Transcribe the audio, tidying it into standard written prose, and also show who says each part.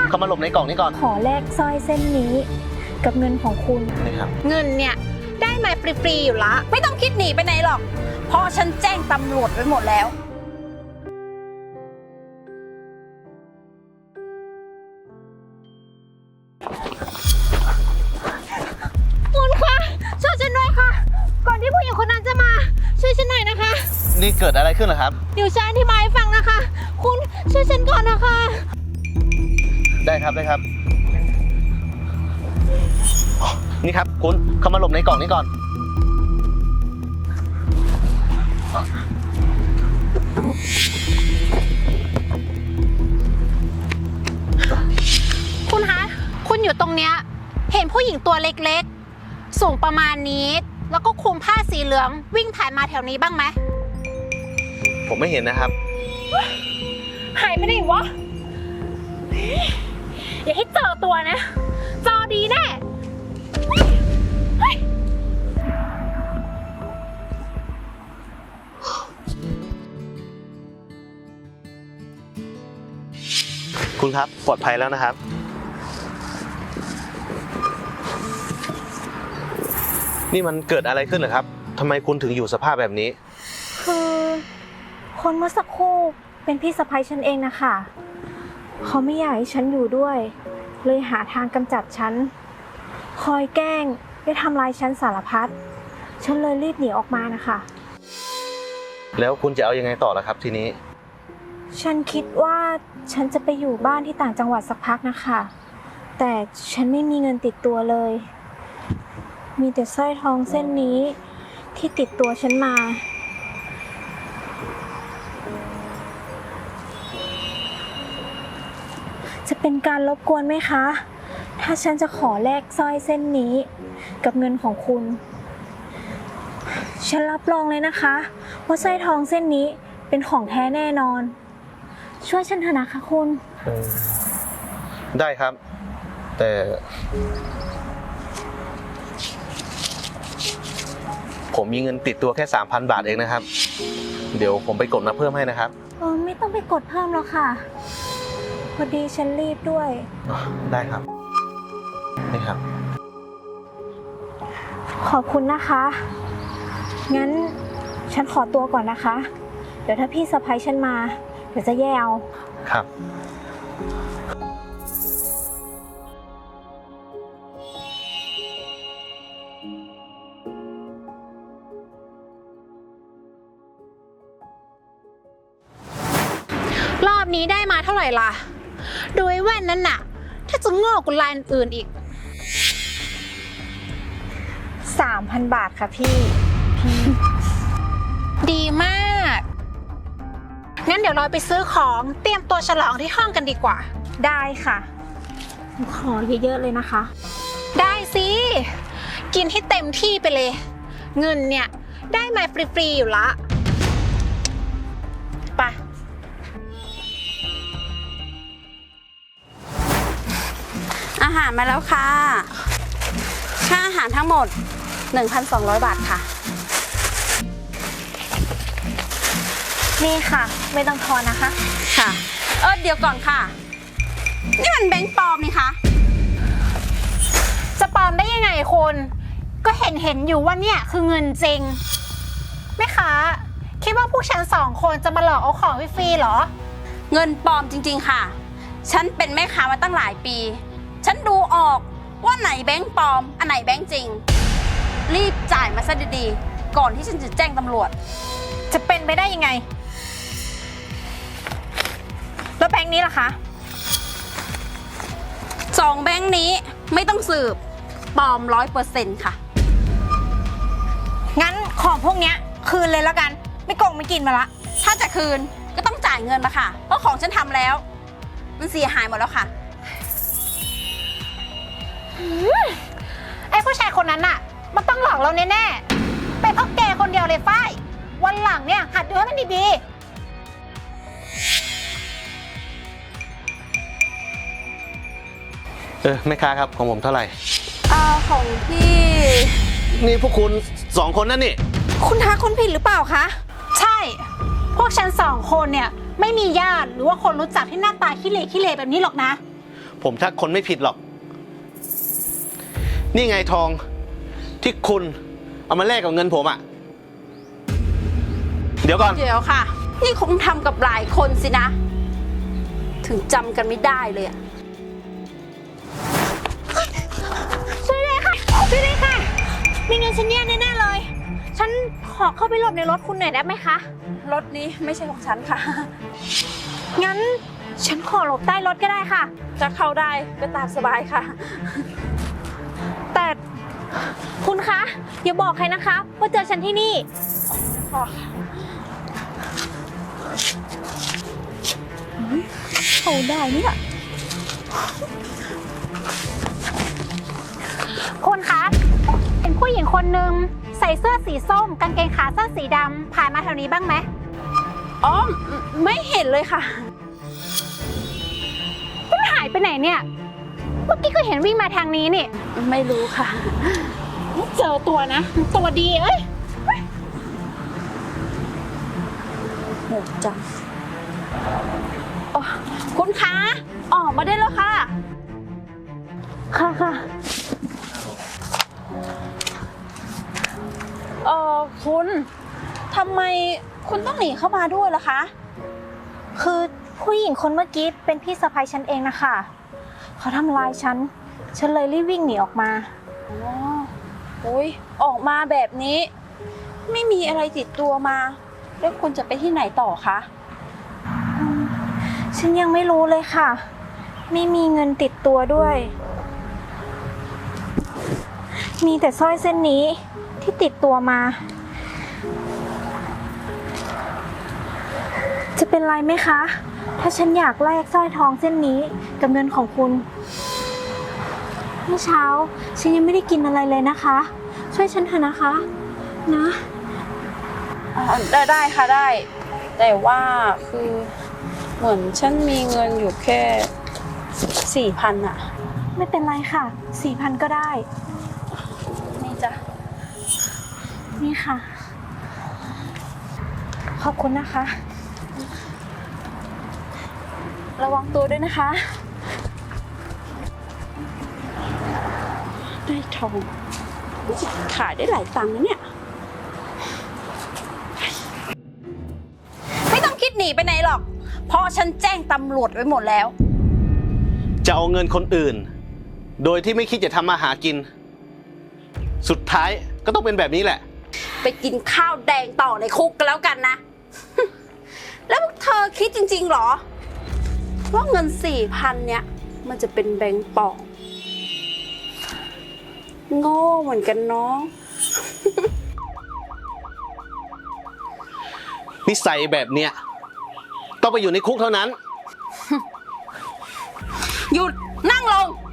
Speaker 1: เข้ามาหลบในกล่องนี้ก่อน
Speaker 2: ขอแลกสร้อยเส้นนี้กับเงินของคุณ
Speaker 1: นี่ครับ
Speaker 3: เงินเนี่ยได้มาฟรีๆอยู่ละไม่ต้องคิดหนีไปไหนหรอกเพราะฉันแจ้งตำรวจไว้หมดแล้วคุณคะช่วยฉันด้วยค่ะก่อนที่ผู้หญิงคนนั้นจะมาช่วยฉันหน่อยนะคะ
Speaker 1: นี่เกิดอะไรขึ้นเหรอครับ
Speaker 3: เดี๋ยวฉันอธิบายให้ฟังนะคะคุณช่วยฉันก่อนนะคะ
Speaker 1: ได้ครับนี่ครับคุณเข้ามาหลบในกล่องนี้ก่อน
Speaker 3: คุณคะคุณอยู่ตรงเนี้ยเห็นผู้หญิงตัวเล็กๆสูงประมาณนี้แล้วก็คลุมผ้าสีเหลืองวิ่งผ่านมาแถวนี้บ้างไหม
Speaker 1: ผมไม่เห็นนะครับ
Speaker 3: หายไปไหนวะอย่าให้เจอตัวนะเจอดีแน่
Speaker 1: คุณครับปลอดภัยแล้วนะครับนี่มันเกิดอะไรขึ้นเหรอครับทำไมคุณถึงอยู่สภาพแบบนี้
Speaker 2: คือคนเมื่อสักครู่เป็นพี่สะใภ้ฉันเองนะคะเขาไม่อยากให้ฉันอยู่ด้วยเลยหาทางกำจัดฉันคอยแกล้งได้ทำลายฉันสารพัดฉันเลยรีบหนีออกมานะคะ
Speaker 1: แล้วคุณจะเอายังไงต่อล่ะครับทีนี้
Speaker 2: ฉันคิดว่าฉันจะไปอยู่บ้านที่ต่างจังหวัดสักพักนะคะแต่ฉันไม่มีเงินติดตัวเลยมีแต่สร้อยทองเส้นนี้ที่ติดตัวฉันมาจะเป็นการรบกวนไหมคะถ้าฉันจะขอแลกสร้อยเส้นนี้กับเงินของคุณฉันรับรองเลยนะคะว่าสร้อยทองเส้นนี้เป็นของแท้แน่นอนช่วยฉันเถอะนะคะคุณ
Speaker 1: ได้ครับแต่ผมมีเงินติดตัวแค่ 3,000 บาทเองนะครับเดี๋ยวผมไปกดมาเพิ่มให้นะครับ
Speaker 2: ไม่ต้องไปกดเพิ่มแล้วค่ะพอดีฉันรีบด้วย
Speaker 1: ได้ครับนี่ครับ
Speaker 2: ขอบคุณนะคะงั้นฉันขอตัวก่อนนะคะเดี๋ยวถ้าพี่สะใภ้ฉันมาเดี๋ยวจะแย่เอา
Speaker 1: ครับ
Speaker 3: รอบนี้ได้มาเท่าไหร่ล่ะโดยแว่นนั้นน่ะถ้าจะงอกกว่าลายอื่นอีก
Speaker 2: 3,000 บาทค่ะพี่
Speaker 3: ดีมากงั้นเดี๋ยวเราไปซื้อของเตรียมตัวฉลองที่ห้องกันดีกว่า
Speaker 2: ได้ค่ะขอเยอะๆเลยนะคะ
Speaker 3: ได้สิกินให้เต็มที่ไปเลยเงินเนี่ยได้มาฟรีๆอยู่ละไป
Speaker 4: อาหารมาแล้วค่ะค่าอาหารทั้งหมด 1,200 บาทค่ะ
Speaker 2: นี่ค่ะไม่ต้องทอนนะคะ
Speaker 4: ค่ะเดี๋ยวก่อนค่ะนี่มันแบงค์ปลอมนี่คะ
Speaker 3: จะปลอมได้ยังไงคุณก็เห็นอยู่ว่าเนี่ยคือเงินจริงแม่ค้าคิดว่าพวกฉัน2 คนจะมาหลอกเอาของฟรีๆหรอ
Speaker 4: เงินปลอมจริงๆค่ะฉันเป็นแม่ค้ามาตั้งหลายปีฉันดูออกว่าไหนแบงค์ปลอมอันไหนแบงค์จริงรีบจ่ายมาซะดีๆก่อนที่ฉันจะแจ้งตำรวจ
Speaker 3: จะเป็นไปได้ยังไงแล้วแบงค์นี้ล่ะคะ
Speaker 4: 2 แบงค์นี้ไม่ต้องสืบปลอม 100% ค่ะ
Speaker 3: งั้นของพวกเนี้ยคืนเลยแล้วกันไม่โกงไม่กินมาละ
Speaker 4: ถ้าจะคืนก็ต้องจ่ายเงินมาค่ะเพราะของฉันทำแล้วมันเสียหายหมดแล้วค่ะ
Speaker 3: ไอ้ผู้ชายคนนั้นน่ะมันต้องหลอกเราแน่ๆเป็นเพราะแกคนเดียวเลยฝ้ายวันหลังเนี่ยหัดดูให้มันดี
Speaker 1: แม่ค้าครับของผมเท่าไหร่
Speaker 4: ของพี่
Speaker 1: นี่พวกคุณ2 คนนั่นนี่
Speaker 3: คุณทักคนผิดหรือเปล่าคะใช่พวกฉัน2 คนเนี่ยไม่มีญาติหรือว่าคนรู้จักที่หน้าตาขี้เหร่แบบนี้หรอกนะ
Speaker 1: ผมทักคนไม่ผิดหรอก นี่ไงทองที่คุณเอามาแลกกับเงินผมอะเดี๋ยวก่อน
Speaker 4: เดี๋ยวค่ะ นี่คงทำกับหลายคนสินะ ถึงจำกันไม่ได้เลยอะ
Speaker 2: ช่วยด้วยค่ะ ช่วยด้วยค่ะ มีเงินฉันแย่แน่ๆเลย ฉันขอเข้าไปหลบในรถคุณหน่อยได้ไหมคะ
Speaker 4: รถนี้ไม่ใช่ของฉันค่ะ
Speaker 2: งั้นฉันขอหลบใต้รถก็ได้ค่ะ
Speaker 4: จะเข้าได้ก็ตามสบายค่ะ
Speaker 2: แต่คุณคะ อย่าบอกใครนะคะว่าเจอฉันที่นี่ เขาได้เนี่ย
Speaker 3: คุณคะเป็นผู้หญิงคนหนึ่งใส่เสื้อสีส้มกางเกงขาสั้นสีดำผ่านมาแถวนี้บ้างไหม
Speaker 4: อ๋อ ไม่เห็นเลยค่ะ
Speaker 3: มันหายไปไหนเนี่ย เมื่อกี้ก็เห็นวิ่งมาทางนี้นี่
Speaker 4: ไม่รู้ค่ะ
Speaker 3: เจอตัวนะ ตัวดีเอ้ย
Speaker 4: หมดจังอ๋อคุณคะ ออกมาได้แล้วค่ะ
Speaker 2: ค่ะค่ะ
Speaker 4: คุณทำไมคุณต้องหนีเข้ามาด้วยล่ะคะ
Speaker 2: คือผู้หญิงคนเมื่อกี้เป็นพี่สะใภ้ฉันเองนะคะ เขาทำร้ายฉัน ฉันเลยรีบวิ่งหนีออกมา
Speaker 4: อ๋อโอ้ยออกมาแบบนี้ ไม่มีอะไรติดตัวมา แล้วคุณจะไปที่ไหนต่อคะ
Speaker 2: ฉันยังไม่รู้เลยค่ะ ไม่มีเงินติดตัวด้วย มีแต่สร้อยเส้นนี้ที่ติดตัวมา จะเป็นไรไหมคะ ถ้าฉันอยากแลกสร้อยทองเส้นนี้กับเงินของคุณ เมื่อเช้าฉันยังไม่ได้กินอะไรเลยนะคะ ช่วยฉันเถอะนะคะ นะ
Speaker 4: ได้ค่ะได้ แต่ว่าคือเหมือนฉันมีเงินอยู่แค่4,000อะ
Speaker 2: ไม่เป็นไรค่ะ 4,000 ก็ได้
Speaker 4: นี่จ้ะ
Speaker 2: นี่ค่ะ ขอบคุณนะคะ
Speaker 4: ระวังตัวด้วยนะคะ ได้ทองขายได้หลายตังค์นะเนี่ย ไม่ต้องคิดหนีไปไหนหรอก เพราะฉันแจ้งตำรวจไว้หมดแล้ว
Speaker 1: จะเอาเงินคนอื่น โดยที่ไม่คิดจะทำมาหากิน สุดท้ายก็ต้องเป็นแบบนี้แหละ
Speaker 4: ไปกินข้าวแดงต่อในคุกกันแล้วกันนะ แล้วพวกเธอคิดจริงๆหรอ ว่าเงิน4,000เนี่ย มันจะเป็นแบงก์ปลอมโง่เหมือนกันเนาะ
Speaker 1: นิสัยแบบเนี้ยต้องไปอยู่ในคุกเท่านั้น
Speaker 4: หยุดนั่งลง